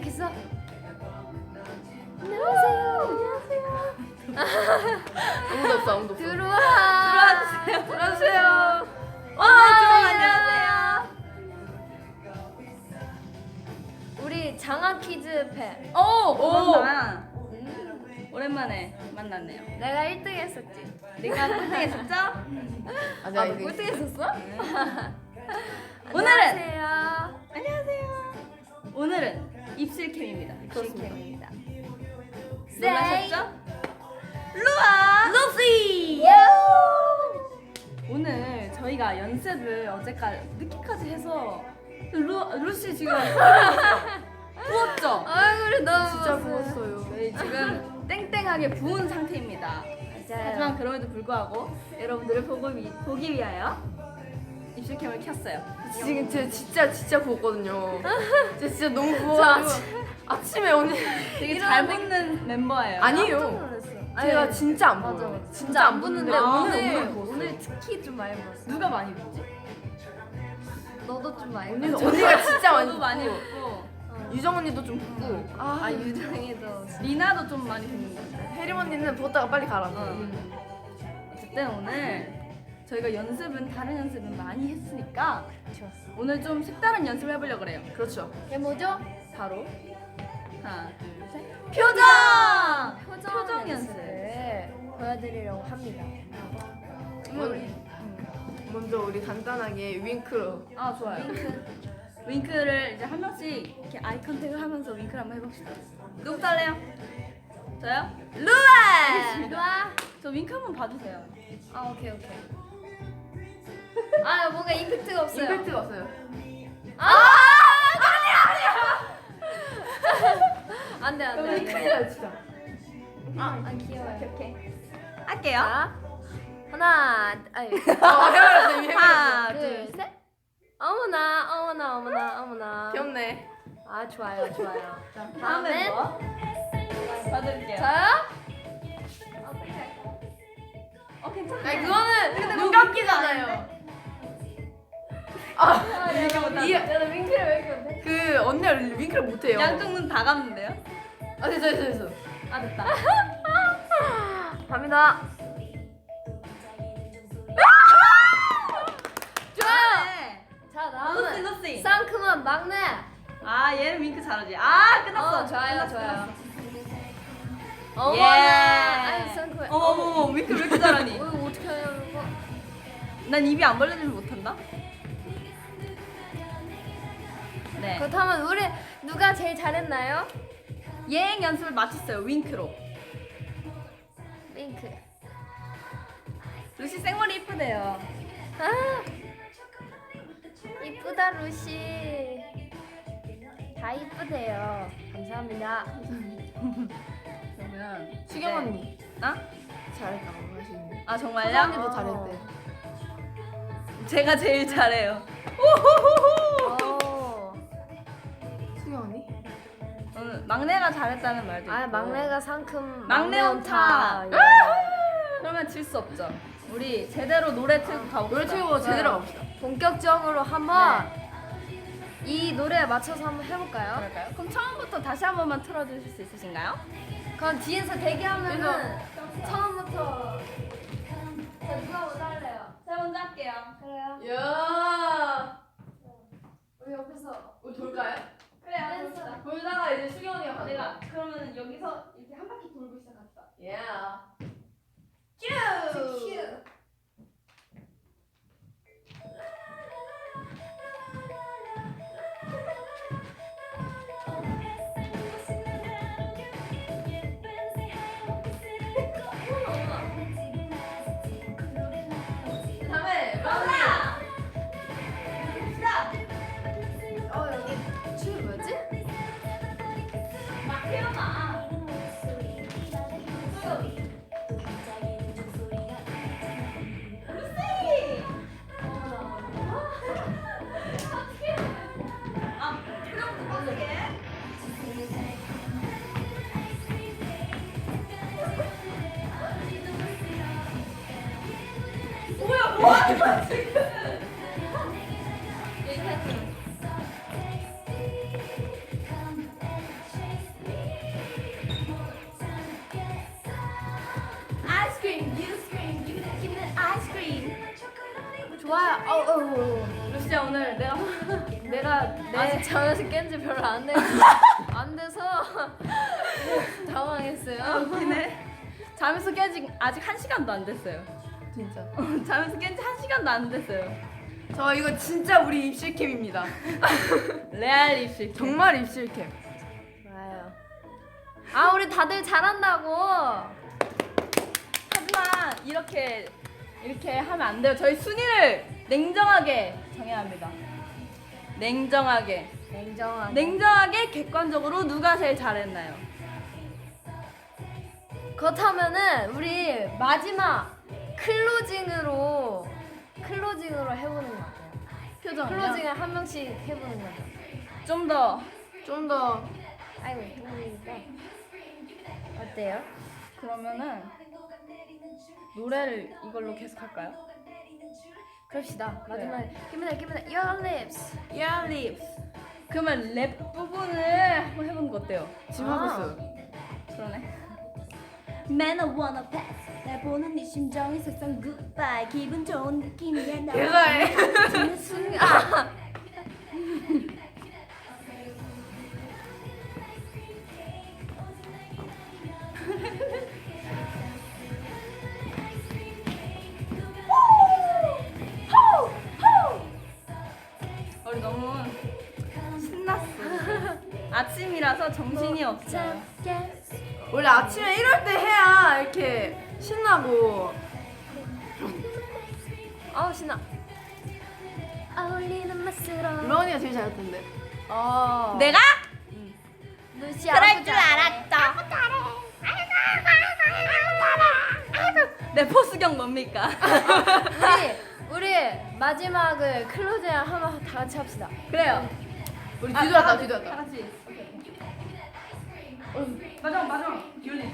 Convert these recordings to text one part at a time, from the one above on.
시작했어. 안녕하세요. 아무도 없어, 아무도 없어. 들어와주세요. 들어주세요. 안녕하세요. 우리 장학 퀴즈 팬. 오랜만. 오랜만에 만났네요. 내가 1등 했었지. 내가 꼴등했었죠? 아, 아, 내가 너 이거 꼴등 했었어? 오늘은 안녕하세요. 안녕하세요. 오늘은 입실캠입니다. 입실캠입니다. 놀라셨죠? 루아 루시. 오늘 저희가 연습을 어제까지 늦게까지 해서 루시 지금 부었죠? 얼굴이 너무 진짜 부었어요. 부었어요. 저희 지금 땡땡하게 부은 상태입니다. 하지만 맞아요. 그럼에도 불구하고 여러분들을 보기 위하여 입실캠을 켰어요. 지금 진짜 부었거든요. 진짜 너무 부어가지고 아침에 오늘 되게 잘 먹는 멤버예요. 깜짝 아니에요. 놀랐어. 제가 진짜 안 맞아. 부어요. 진짜 안 붙는데 아, 오늘 부었어요. 오늘 특히 좀 많이 부었어. 누가 많이 부었지? 너도 좀 많이 언니도 부었어. 언니가 진짜 많이 저도 많이 붓고 붓고 유정 언니도 좀 붓고 아 유정이도. 리나도 좀 많이 붓는 것 같아요. 혜림 언니는 부었다가 빨리 가라. 어쨌든 오늘 저희가 다른 연습은 많이 했으니까 오늘 좀 색다른 연습을 해보려고 그래요. 그렇죠. 이게 뭐죠? 바로 하나 둘 셋 표정! 표정 연습을 보여드리려고 합니다. 먼저 우리 간단하게 윙크로. 아 좋아요. 윙크를 이제 한 명씩 이렇게 아이 컨택을 하면서 윙크를 한번 해봅시다. 누구부터 할래요? 저요? 루아! 좋아. 저 윙크 한번 봐주세요. 아 오케이. 아 뭔가 임팩트가 없어요. 임팩트가 없어요. 안돼. 큰일 나요 진짜. 안 귀여워요. 오케이. 할게요. 자 하나 아니 하나 둘 셋. 어머나. 귀엽네. 아 좋아요. 자, 다음 다음엔? 멤버 봐드릴게요. 저요? 괜찮아요. 아니 그거는 눈 감기잖아요. 이렇게 못하죠. 나는 윙크를 왜 이렇게 못해? 그 언니가 윙크를 못해요. 양쪽 눈 다 감는데요? 아 됐어. 아 됐다. 갑니다. 좋아요. 자 루시 다음은 루시. 상큼한 막내. 아 얘는 윙크 잘하지. 아 끝났어. 좋아요. 끝났어. 어머나. 예. 아니 상큼해. 어머 윙크 왜 이렇게 잘하니? 이거 어떻게 하냐는 거? 난 입이 안 벌려지면 못한다. 네. 그렇다면 우리 누가 제일 잘했나요? 예행 연습을 마쳤어요. 윙크로. 윙크. 루시 생머리 이쁘대요. 아 이쁘다 루시. 다 이쁘대요. 감사합니다. 그러면 수경 네. 언니 아? 잘했다고 하시는데. 아 수경 정말요? 언니도 잘했대. 제가 제일 잘해요. 오호호호. 오. 수경 언니? 오늘 막내가 잘했다는 말도 있고. 아 막내가 상큼. 막내 온타. 예. 그러면 질 수 없죠. 우리 제대로 노래 틀고 가봅시다. 노래 틀고 제대로 가봅시다. 본격적으로 한번 네. 이 노래에 맞춰서 한번 해볼까요? 그럴까요? 그럼 처음부터 다시 한 번만 틀어주실 수 있으신가요? 그럼 뒤에서 대기하면은 처음부터. 자 누가 먼저 할래요? 제가 먼저 할게요. 그래요? 야. 우리 옆에서 우리 돌까요? 그래요. 댄스. 돌다가 이제 수경 언니가 가는 내가 거야. 그러면 여기서 이렇게 한 바퀴 돌고 시작합시다. 야. 큐! 다음에 하나! 여기 춤 뭐지? 막 태어나. 루시! 아, 표정도 빠르게. 뭐야, 뭐 하는 거야, 지금? 루시야 오늘 내가 아직 잠에서 깬 지 별로 안 돼서 당황했어요. 웃기네. 잠에서 깬지 아직 1시간도 안 됐어요. 진짜. 잠에서 깬지 1시간도 안 됐어요. 저 이거 진짜 우리 입실캠입니다. 레알 입실. 정말 입실캠. 좋아요. 아 우리 다들 잘한다고. 하지만 이렇게 하면 안 돼요. 저희 순위를 냉정하게 정해야 합니다. 냉정하게 객관적으로 누가 제일 잘했나요? 그렇다면은 우리 마지막 클로징으로 해보는 거 같아요. 표정이요? 클로징을 한 명씩 해보는 거죠. 좀 더 아이고 동물이니까 어때요? 그러면은 노래를 이걸로 계속 할까요? 그럽시다. 마지막에 Give me that your lips. Your lips. 그러면 랩 부분을 한번 해보는 거 어때요? 지금 하고 있어요. 그러네. Man I wanna pass. 날 보는 네 심정이 색상 goodbye. 기분 좋은 느낌이야 나. 대사해. 듣는 순간 우리 너무 신났어. 아침이라서 정신이 없어요. 원래 아침에 이럴 때 해야 이렇게 신나고. 아우 신나. 어울리는 맛으로 러니가 제일 잘했던데. 내가? 루시아 그럴 줄 알았다. 내 포스경 뭡니까? 우리 마지막을 클로징 한번 다 같이 합시다. 그래요. 우리 다 뒤돌았다. 같이. 마지막 기울리.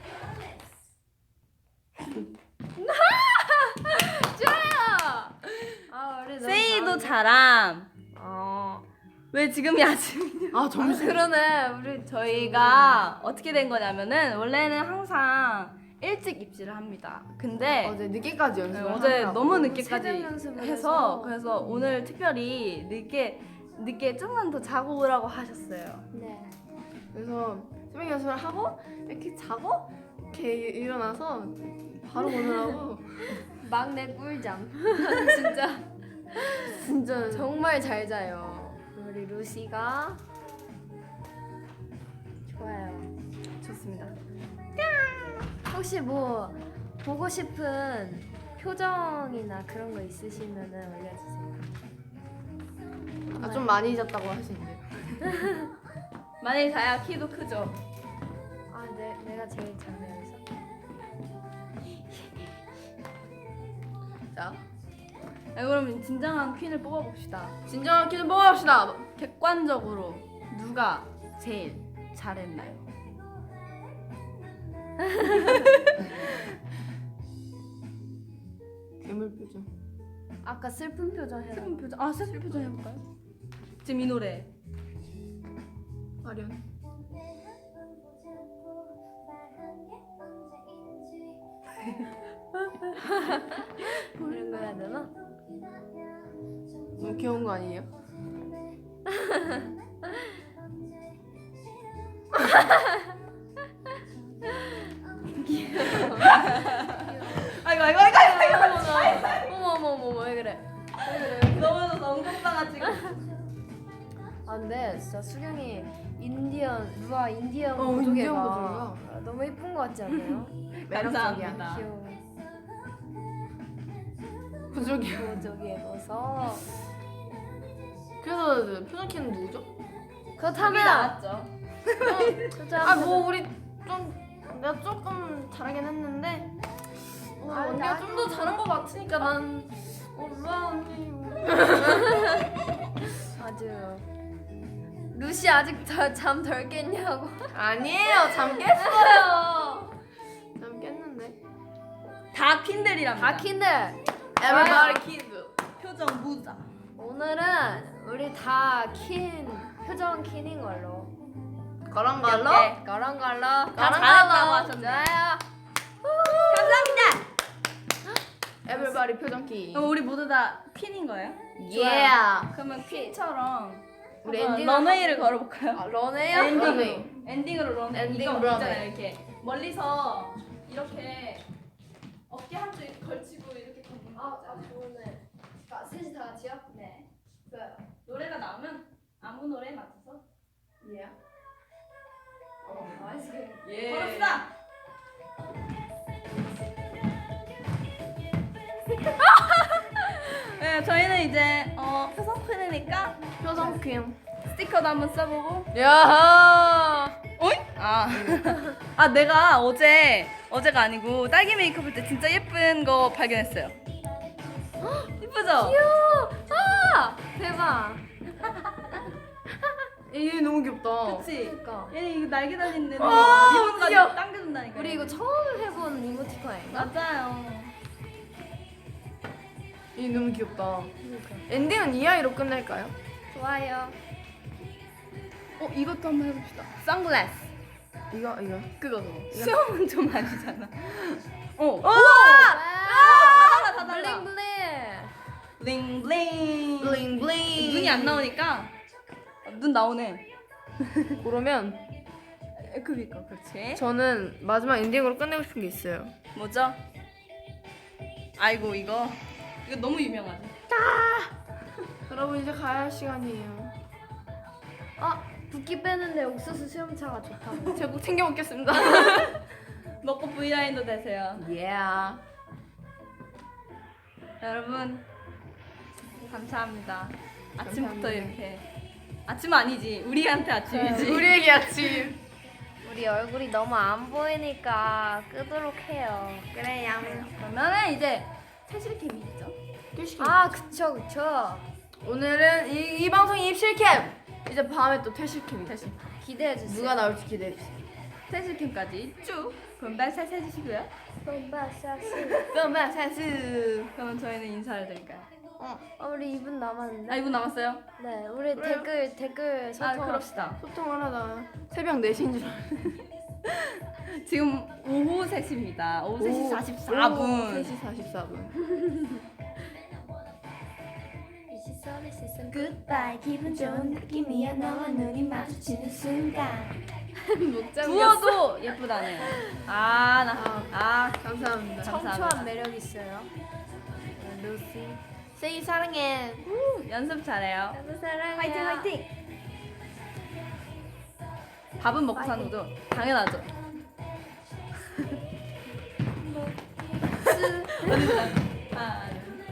좋아요. 아 우리 너무 세이도 잘하는데? 잘함. 어. 왜 지금이 아침이냐? 아 점심. 그러네. 우리 저희가 어떻게 된 거냐면은 원래는 항상 일찍 입시를 합니다. 근데 어제 늦게까지 네, 연습을 어제 하느라고. 너무 늦게까지 새벽 연습을 해서 해서. 그래서 오늘 특별히 늦게 좀만 더 자고 오라고 하셨어요. 네. 그래서 새벽 연습을 하고 이렇게 자고 이렇게 일어나서 바로 오느라고 막내 꿀잠. 진짜 진짜 정말 잘 자요. 우리 루시가 좋아요. 좋습니다. 혹시 뭐 보고 싶은 표정이나 그런 거 있으시면은 올려주세요. 좀 많이 잤다고 하시는데. 만약에 자야 키도 크죠. 아, 내가 제일 작네요. 여기서. 자, 그러면 진정한 퀸을 뽑아봅시다. 진정한 키를 뽑아봅시다. 객관적으로 누가 제일 잘했나요? 괴물 표정. 아까 슬픈 표정 해라. 슬픈 표정. 슬픈 표정 해볼까요? 지금 이 노래. 아련. 이런 거 해야 되나? 너무 귀여운 거 아니에요? 아이고. 어머 왜 그래? 너무 엉뚱방아 지금. 아 근데 진짜 수경이 인디언 루아 인디언 인디언 보조개가 보조개가. 너무 예쁜 거 같지 않나요? 감사합니다. 귀여워. 부족이. 보조개 넣어서 그래서 표정 키는 누구죠? 그렇다면 나왔죠. 뭐 우리 좀 내가 조금 잘하긴 했는데 언니가 좀 더 잘한 것 같으니까 난 루아 언니. 아주 루시 아직 잠 덜 깼냐고. 아니에요, 잠 깼어요. 잠 깼는데. 다 퀸들이랍니다. 다 킨들. Everybody kid. 표정 무자. 오늘은 우리 다 킨 표정 킨인 걸로. 그런 걸로. 그런 걸로. 다 잘했다고 하셨네. 좋아요. 감사합니다. Everybody 표정키. 그럼 우리 모두 다 퀸인 거예요? Yeah. 그러면 퀸처럼 우리 한번 엔딩을 런웨이를 걸어볼까요? 아, 런웨이요? 엔딩으로 엔딩으로 런웨이. 엔딩 이거 런웨이. 있잖아요. 이렇게 멀리서 이렇게 어깨 한쪽 걸치고 이렇게 걷는 거 있잖아요. 좋네. 셋이 다 같이요? 네. 좋아요. 노래가 나오면 아무 노래에 맞춰서 Yeah. 나이스. 걸읍시다. 네, 저희는 이제 표성 퀸이니까 표정키. 스티커도 한번 써보고. 야. 어이? 아 내가 어제가 아니고 딸기 메이크업 할 때 진짜 예쁜 거 발견했어요. 예쁘죠? 귀여워. 아 대박. 얘 너무 귀엽다. 그치? 그러니까. 얘는 이거 날개 달린데 아, 리본까지 귀여워. 당겨준다니까. 우리 이거 처음 해본 이모티콘인가? 맞아요. 얘 너무 귀엽다. 그러니까. 엔딩은 이 아이로 끝낼까요? 좋아요. 이것도 한번 해봅시다. 선글라스. 이거. 그거. 수영은 좀 아니잖아. 와! 다 달라. 블링블링. 블링블링. 블링블링. 눈이 안 나오니까 눈 나오네. 그러면 그니까 그렇지. 저는 마지막 엔딩으로 끝내고 싶은 게 있어요. 뭐죠? 아이고 이거 너무 유명하지. 여러분 이제 가야 할 시간이에요. 아 붓기 빼는데 옥수수 수염차가 좋다고. 제가 꼭 챙겨 먹겠습니다. 먹고 V라인도 되세요. yeah. 여러분 감사합니다. 아침부터 감사합니다. 이렇게 아침은 아니지 우리한테 아침이지. 우리에게 아침. 우리 얼굴이 너무 안 보이니까 끄도록 해요. 그래요. 그러면은 이제 퇴실캠이 있죠. 아 그쵸. 오늘은 이 방송이 입실캠. 이제 밤에 또 퇴실캠이 다시. 기대해 주세요. 누가 나올지 기대해 주세요. 퇴실캠까지 쭉 분발살 해주시고요. bombasasu. 그러면 사수. 그러면 저희는 인사를 드릴까요? 우리 2분 남았는데. 아 2분 남았어요? 네, 우리 그래요? 댓글 아 소통. 그럽시다. 소통을 하다 새벽 4시인 줄 알았는데. 지금 오후 3시입니다. 오후 3시 44분. 3시 44분. Goodbye 기분 좋은 느낌이야 너와 눈이 마주치는 순간 부어도 예쁘다네. 아 감사합니다. 감사합니다. 청초한 매력 있어요. 루시. 세이 사랑해. 연습 잘해요. 너무 사랑해요. 화이팅 화이팅 밥은 먹고 사는 거죠? 당연하죠. 하나,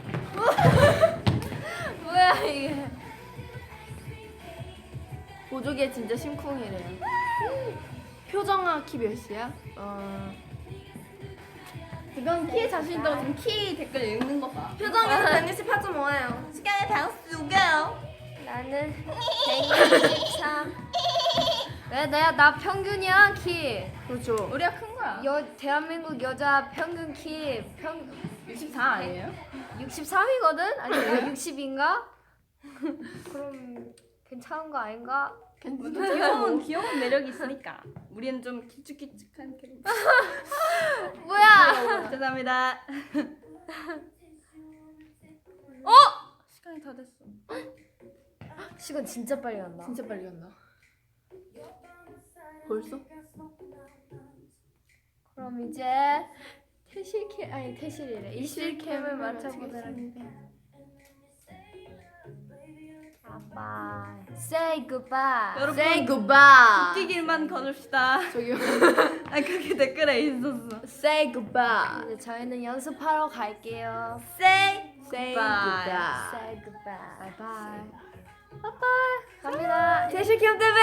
뭐야 이게? 보조개 진짜 심쿵이래요. 표정아 키 몇이야? 이건 키에 자신 있다고 지금 키 댓글 읽는 거 봐. 표정이는 168.5예요. 시간의 방수가 나는 123. 왜 나 평균이야 키. 그렇죠. 우리가 큰 거야. 대한민국 여자 평균 키 64 아니에요? 63이거든? 아니 내가 60인가? 그럼 괜찮은 거 아닌가? 귀여운 매력이 있으니까. 우리는 좀 기쭉기쭉한 캐릭터. 뭐야? 죄송합니다. 시간이 다 됐어. 시간 진짜 빨리 간다. 진짜 빨리 간다. 벌써? 그럼 이제 퇴실이래. 일실캠을 맞춰보도록 할게요. 아빠, say goodbye. 여러분 Say goodbye. 웃기길만 걸읍시다. 저기요. 아 그게 댓글에 있었어. Say goodbye. 이제 저희는 연습하러 갈게요. Say Say goodbye. goodbye. Say goodbye. Bye bye. 바이바이. 갑니다. 대실캠 TV.